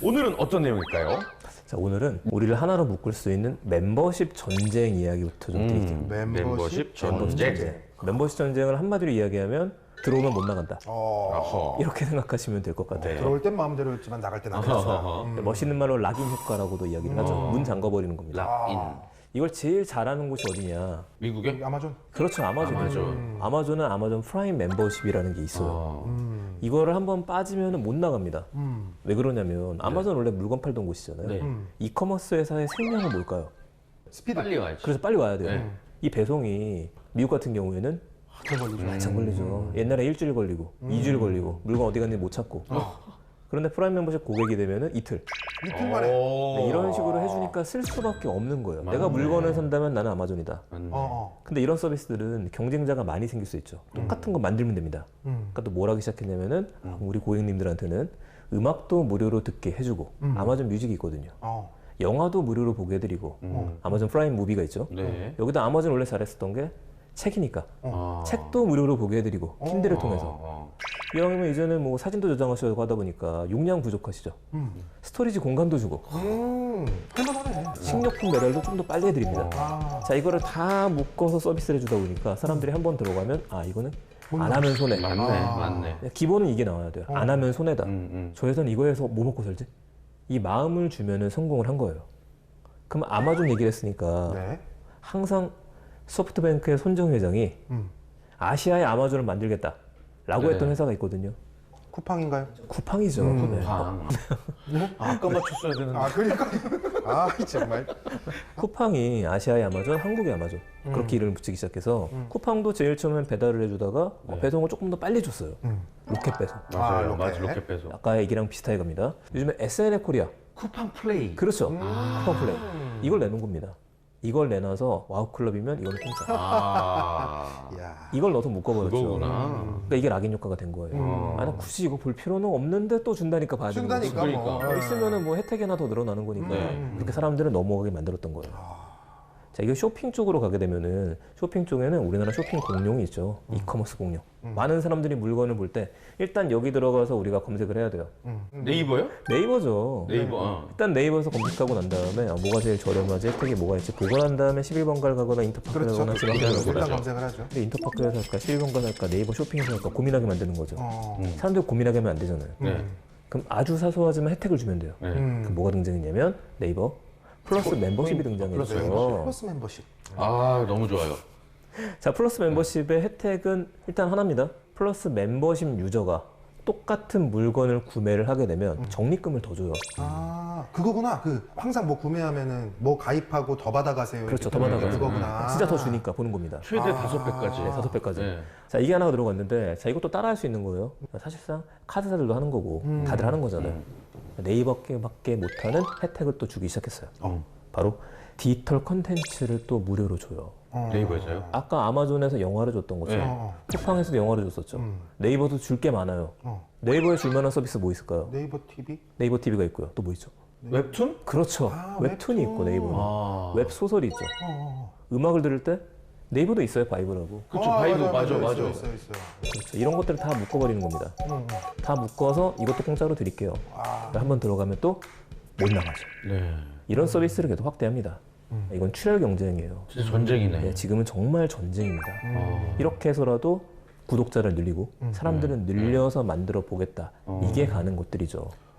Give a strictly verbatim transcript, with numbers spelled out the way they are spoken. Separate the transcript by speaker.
Speaker 1: 오늘은 어떤 내용일까요?
Speaker 2: 자, 오늘은 우리를 하나로 묶을 수 있는 멤버십 전쟁 이야기부터 좀 드릴게요.
Speaker 1: 음,
Speaker 3: 멤버십
Speaker 1: 멤버십
Speaker 2: 멤버십
Speaker 1: 전쟁.
Speaker 2: 전쟁. 멤버십 전쟁을 한마디로 이야기하면 들어오면 못 나간다.
Speaker 3: 어,
Speaker 1: 어허.
Speaker 2: 이렇게 생각하시면 될 것 같아요.
Speaker 1: 네.
Speaker 3: 들어올 땐 마음대로였지만 나갈 땐 안
Speaker 1: 어허.
Speaker 3: 됐어요.
Speaker 1: 어허.
Speaker 3: 음.
Speaker 2: 멋있는 말로 락인 효과라고도 이야기를 하죠. 문 잠궈버리는 겁니다.
Speaker 1: 락인.
Speaker 2: 이걸 제일 잘하는 곳이 어디냐?
Speaker 1: 미국에?
Speaker 3: 아마존.
Speaker 2: 그렇죠, 아마존이죠.
Speaker 1: 아마존.
Speaker 2: 아마존은 아마존 프라임 멤버십이라는 게 있어요.
Speaker 1: 어.
Speaker 3: 음.
Speaker 2: 이거를 한번 빠지면 못 나갑니다.
Speaker 3: 음.
Speaker 2: 왜 그러냐면 아마존 원래 물건 팔던 곳이잖아요.
Speaker 1: 네.
Speaker 3: 음.
Speaker 2: 이커머스 회사의 생명은 뭘까요?
Speaker 3: 스피드.
Speaker 1: 빨리 와야지.
Speaker 2: 그래서 빨리 와야 돼요.
Speaker 1: 네.
Speaker 2: 이 배송이 미국 같은 경우에는
Speaker 3: 한참 걸리죠.
Speaker 2: 한참 걸리죠. 옛날에 일주일 걸리고 이주일 걸리고 물건 어디 갔는지 못 찾고. 그런데 프라임 멤버십 고객이 되면은 이틀.
Speaker 3: 이틀 만에.
Speaker 1: 오.
Speaker 2: 네, 이런 식으로 해주니까 쓸 수밖에 없는 거예요.
Speaker 1: 맞네.
Speaker 2: 내가 물건을 산다면 나는 아마존이다.
Speaker 1: 맞네.
Speaker 3: 어, 어.
Speaker 2: 근데 이런 서비스들은 경쟁자가 많이 생길 수 있죠. 똑같은 거 만들면 됩니다.
Speaker 3: 음.
Speaker 2: 그러니까 또 뭘 하기 시작했냐면은 우리 고객님들한테는 음악도 무료로 듣게 해주고
Speaker 3: 음.
Speaker 2: 아마존 뮤직이 있거든요.
Speaker 3: 어.
Speaker 2: 영화도 무료로 보게 해드리고
Speaker 1: 음.
Speaker 2: 아마존 프라임 무비가 있죠.
Speaker 1: 네.
Speaker 2: 여기다 아마존 원래 잘했었던 게 책이니까
Speaker 1: 어.
Speaker 2: 책도 무료로 보게 해드리고 킨들을
Speaker 1: 어.
Speaker 2: 통해서
Speaker 1: 어.
Speaker 2: 이왕이면 이제는 뭐 사진도 저장하시고 하다 보니까 용량 부족하시죠.
Speaker 3: 음.
Speaker 2: 스토리지 공간도 주고
Speaker 3: 음. 할만하네.
Speaker 2: 식료품 배달도 좀 더 빨리 해드립니다.
Speaker 3: 아.
Speaker 2: 자, 이거를 다 묶어서 서비스를 해주다 보니까 사람들이 한 번 들어가면 아 이거는 안 하면 손해.
Speaker 1: 맞네,
Speaker 3: 아.
Speaker 1: 맞네.
Speaker 2: 기본은 이게 나와야 돼요. 안 하면 손해다.
Speaker 1: 음, 음.
Speaker 2: 저 회사는 이거에서 뭐 먹고 살지? 이 마음을 주면은 성공을 한 거예요. 그럼 아마존 얘기를 했으니까
Speaker 3: 네.
Speaker 2: 항상 소프트뱅크의 손정 회장이
Speaker 3: 음.
Speaker 2: 아시아의 아마존을 만들겠다 라고
Speaker 1: 네.
Speaker 2: 했던 회사가 있거든요.
Speaker 3: 쿠팡인가요?
Speaker 2: 쿠팡이죠.
Speaker 3: 음.
Speaker 2: 네.
Speaker 1: 방. 아까 맞췄어야 되는데.
Speaker 3: 아, 그러니까. 아, 정말.
Speaker 2: 쿠팡이 아시아의 아마존, 한국의 아마존 그렇게 이름을 붙이기 시작해서 쿠팡도 제일 처음엔 배달을 해주다가 어, 배송을 조금 더 빨리 줬어요.
Speaker 3: 음.
Speaker 2: 로켓 배송.
Speaker 1: 맞아요.
Speaker 3: 아, 로켓.
Speaker 1: 맞아, 로켓 배송.
Speaker 2: 아까 얘기랑 비슷하게 갑니다. 요즘에 에스엔엘 코리아.
Speaker 1: 쿠팡 플레이.
Speaker 2: 그렇죠. 쿠팡 플레이. 이걸 내놓은 겁니다. 이걸 내놔서 와우클럽이면 이건 공짜.
Speaker 1: 아.
Speaker 3: 야.
Speaker 2: 이걸 넣어서 묶어버렸죠.
Speaker 1: 그거구나.
Speaker 2: 그러니까 이게 락인 효과가 된 거예요.
Speaker 1: 음.
Speaker 2: 아, 나 굳이 이거 볼 필요는 없는데 또 준다니까 봐야 되는 거죠.
Speaker 3: 준다니까 뭐.
Speaker 1: 그러니까.
Speaker 2: 있으면은 뭐 혜택이 하나 더 늘어나는 거니까
Speaker 1: 네.
Speaker 2: 그렇게 사람들은 넘어가게 만들었던 거예요. 자, 이게 쇼핑 쪽으로 가게 되면은 쇼핑 쪽에는 우리나라 쇼핑 공룡이 있죠. 이커머스 공룡. 많은 사람들이 물건을 볼 때 일단 여기 들어가서 우리가 검색을 해야 돼요.
Speaker 3: 음.
Speaker 1: 네이버요?
Speaker 2: 네이버죠.
Speaker 1: 네이버. 어.
Speaker 2: 일단 네이버에서 검색하고 난 다음에 아, 뭐가 제일 저렴하지, 혜택이 뭐가 있지 보고 난 다음에 십일 번가를 가거나 인터파크를
Speaker 3: 그렇죠.
Speaker 2: 가거나 지방가를
Speaker 1: 일단
Speaker 2: 가거나.
Speaker 3: 일단 검색을 하죠.
Speaker 2: 근데 인터파크에서 할까, 십일 번가를 할까, 네이버 쇼핑에서 할까 고민하게 만드는 거죠.
Speaker 3: 어.
Speaker 1: 음.
Speaker 2: 사람들이 고민하게 하면 안 되잖아요.
Speaker 1: 네.
Speaker 2: 그럼 아주 사소하지만 혜택을 주면 돼요.
Speaker 1: 네.
Speaker 3: 음.
Speaker 2: 그 뭐가 등장했냐면 네이버 플러스 멤버십이 등장했죠.
Speaker 3: 플러스 멤버십.
Speaker 1: 아, 너무 좋아요.
Speaker 2: 자, 플러스 멤버십의 혜택은 일단 하나입니다. 플러스 멤버십 유저가 똑같은 물건을 구매를 하게 되면 적립금을 더 줘요.
Speaker 3: 아, 그거구나. 그 항상 뭐 구매하면은 뭐 가입하고 더 받아가세요.
Speaker 2: 그렇죠,
Speaker 3: 이렇게
Speaker 2: 더 받아가세요.
Speaker 3: 그거구나.
Speaker 2: 진짜 더 주니까 보는 겁니다.
Speaker 1: 최대
Speaker 3: 아.
Speaker 1: 다섯 배까지.
Speaker 2: 네, 다섯 배까지.
Speaker 1: 네.
Speaker 2: 자, 이게 하나가 들어갔는데, 자, 이것도 따라 할 수 있는 거예요. 사실상 카드사들도 하는 거고,
Speaker 3: 음.
Speaker 2: 다들 하는 거잖아요. 네이버밖에 못하는 혜택을 또 주기 시작했어요.
Speaker 1: 어.
Speaker 2: 바로 디지털 컨텐츠를 또 무료로 줘요.
Speaker 3: 어.
Speaker 1: 네이버에서요?
Speaker 2: 아까 아마존에서 영화를 줬던 것처럼
Speaker 1: 네.
Speaker 3: 어,
Speaker 2: 쿠팡에서도 영화를 줬었죠.
Speaker 3: 음.
Speaker 2: 네이버도 줄 게 많아요.
Speaker 3: 어.
Speaker 2: 네이버에 줄 만한 서비스 뭐 있을까요?
Speaker 3: 네이버 티비?
Speaker 2: 네이버 티비가 있고요. 또 뭐 있죠?
Speaker 1: 웹툰?
Speaker 2: 그렇죠.
Speaker 3: 아,
Speaker 2: 웹툰이
Speaker 3: 웹툰.
Speaker 2: 있고 네이버는.
Speaker 1: 아.
Speaker 2: 웹 소설이 있죠.
Speaker 3: 어, 어.
Speaker 2: 음악을 들을 때 네이버도 있어요. 바이브라고.
Speaker 1: 그쵸,
Speaker 3: 아,
Speaker 1: 바이브,
Speaker 3: 맞아요,
Speaker 1: 맞아,
Speaker 3: 맞아요.
Speaker 1: 맞아.
Speaker 3: 있어요, 있어요, 있어요.
Speaker 2: 그렇죠. 이런 것들을 다 묶어버리는 겁니다.
Speaker 3: 음, 음.
Speaker 2: 다 묶어서 이것도 공짜로 드릴게요.
Speaker 3: 아.
Speaker 2: 한번 들어가면 또 못 나가죠.
Speaker 1: 네.
Speaker 2: 이런 서비스를 계속 확대합니다. 이건 출혈 경쟁이에요.
Speaker 1: 진짜 전쟁이네.
Speaker 2: 네, 지금은 정말 전쟁입니다.
Speaker 1: 아.
Speaker 2: 이렇게 해서라도 구독자를 늘리고 사람들은 늘려서 만들어 보겠다. 이게 가는 곳들이죠.